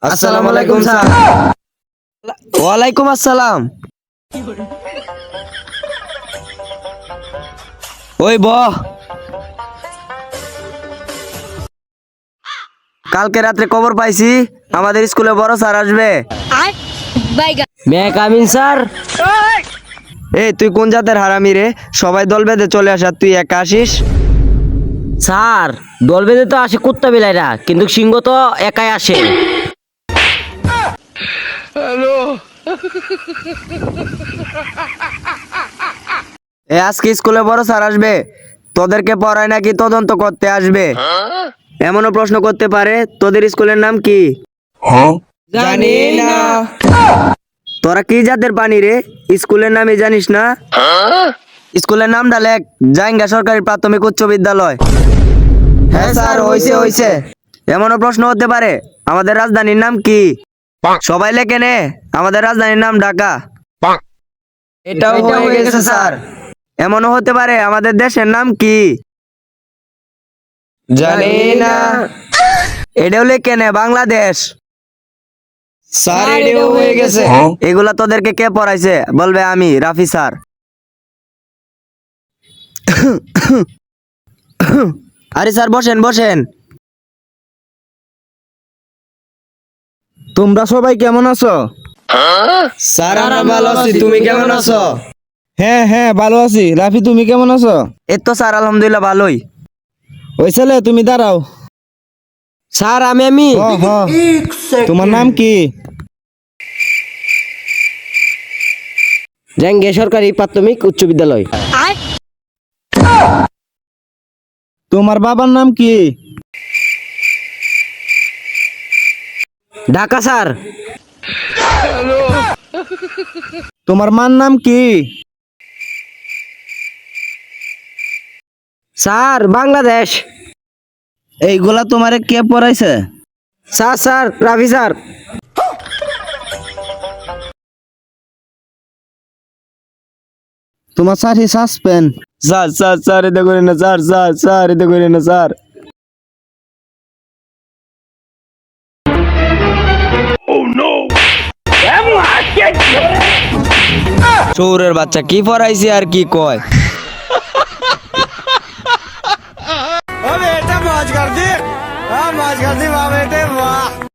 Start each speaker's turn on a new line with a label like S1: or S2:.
S1: আসসালামু আলাইকুম স্যার। ওয়ালাইকুম আসসালাম। ওই কালকে রাত্রে খবর পাইছি আমাদের স্কুলে বড় স্যার আসবে।
S2: May come in sir.
S1: এই তুই কোন জাতের হারামি রে? সবাই দল বেঁধে চলে আসা, তুই একা আসিস?
S2: স্যার দল বেঁধে তো আসে কুত্তা বিলাইরা, কিন্তু সিংহ তো একাই আসে।
S1: আজকে স্কুলে বড় স্যার আসবে, তোদেরকে পড়ায় নাকি তদন্ত করতে আসবে। এমনও প্রশ্ন করতে পারে, তোদের স্কুলের নাম কি?
S2: জানি না।
S1: তোরা কি জাতের পানি রে? স্কুলের নামই জানিস না? স্কুলের নামটা লেখ, জাইঙ্গা সরকারি প্রাথমিক উচ্চ বিদ্যালয়। হ্যাঁ স্যার, হইছে। এমনও প্রশ্ন হতে পারে, আমাদের রাজধানীর নাম কি? সবাই লেখে নে, আমাদের রাজধানীর নাম ঢাকা। এটাও হয়ে গেছে স্যার। এমনও হতে পারে, আমাদের দেশের নাম কি? জানি না। এটাও লেখে নে, বাংলাদেশ। স্যার এটাও হয়ে গেছে। এগুলা তোদেরকে কে পড়াইছে বলবে? আমি, রাফি স্যার। আরে স্যার বসেন।
S3: তোমরা সবাই কেমন আছো?
S1: স্যার আমরা ভালো আছি, তুমি কেমন আছো?
S3: হ্যাঁ ভালো আছি। রাফি তুমি কেমন আছো?
S1: এই তো স্যার আলহামদুলিল্লাহ ভালোই।
S3: ওই ছেলে তুমি দাঁড়াও।
S2: স্যার আমি
S3: হ তোমার নাম কি?
S2: জাঙ্গে সরকারি প্রাথমিক উচ্চ বিদ্যালয়।
S3: তোমার বাবার নাম কি?
S2: ঢাকা স্যার।
S3: তোমার মার নাম কি?
S2: স্যার বাংলাদেশ।
S3: এইগুলা তোমারে কে পড়াইছে?
S2: Sir Rafi sir.
S3: তোমার সাথে সাসপেন্ড।
S1: স্যার এটা করে না স্যার এটা করে না স্যার। চোরের বাচ্চা কি পড়াইছে আর কি কয়?
S4: बेटा मौज कर दी वाह बेटे वाह।